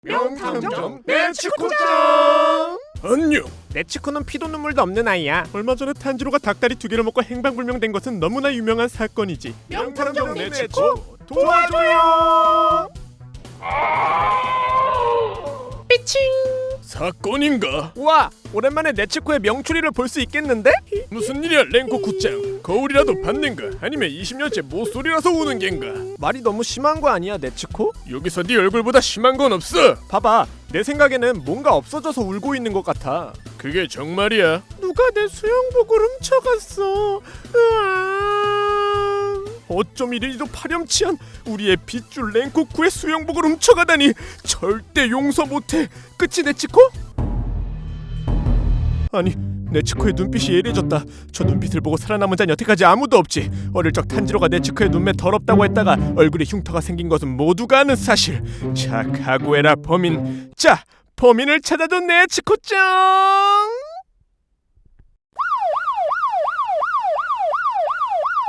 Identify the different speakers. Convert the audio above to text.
Speaker 1: 명탐정 네츠코짱.
Speaker 2: 안녕.
Speaker 1: 네츠코는 피도 눈물도 없는 아이야.
Speaker 2: 얼마 전에 탄지로가 닭다리 2개를 먹고 행방불명된 것은 너무나 유명한 사건이지.
Speaker 1: 명탐정 네츠코 도와줘요. 삐칭.
Speaker 2: 사건인가?
Speaker 1: 우와, 오랜만에 네츠코의 명추리를 볼 수 있겠는데?
Speaker 2: 무슨 일이야 랭코 굿장. 거울이라도 봤는가? 아니면 20년째 모쏠이라서 우는 겐가?
Speaker 1: 말이 너무 심한 거 아니야, 네츠코?
Speaker 2: 여기서 네 얼굴보다 심한 건 없어.
Speaker 1: 봐봐, 내 생각에는 뭔가 없어져서 울고 있는 것 같아.
Speaker 2: 그게 정말이야?
Speaker 1: 누가 내 수영복을 훔쳐갔어. 으아.
Speaker 2: 어쩜 이리도 파렴치한 우리의 빗줄 랭코쿠의 수영복을 훔쳐가다니. 절대 용서 못해.
Speaker 1: 끝이 네츠코?
Speaker 2: 아니, 네츠코의 눈빛이 예리해졌다. 저 눈빛을 보고 살아남은 자는 여태까지 아무도 없지. 어릴 적 탄지로가 네츠코의 눈매 더럽다고 했다가 얼굴에 흉터가 생긴 것은 모두가 아는 사실. 자, 각오해라 범인. 자, 범인을 찾아줘 네츠코짱.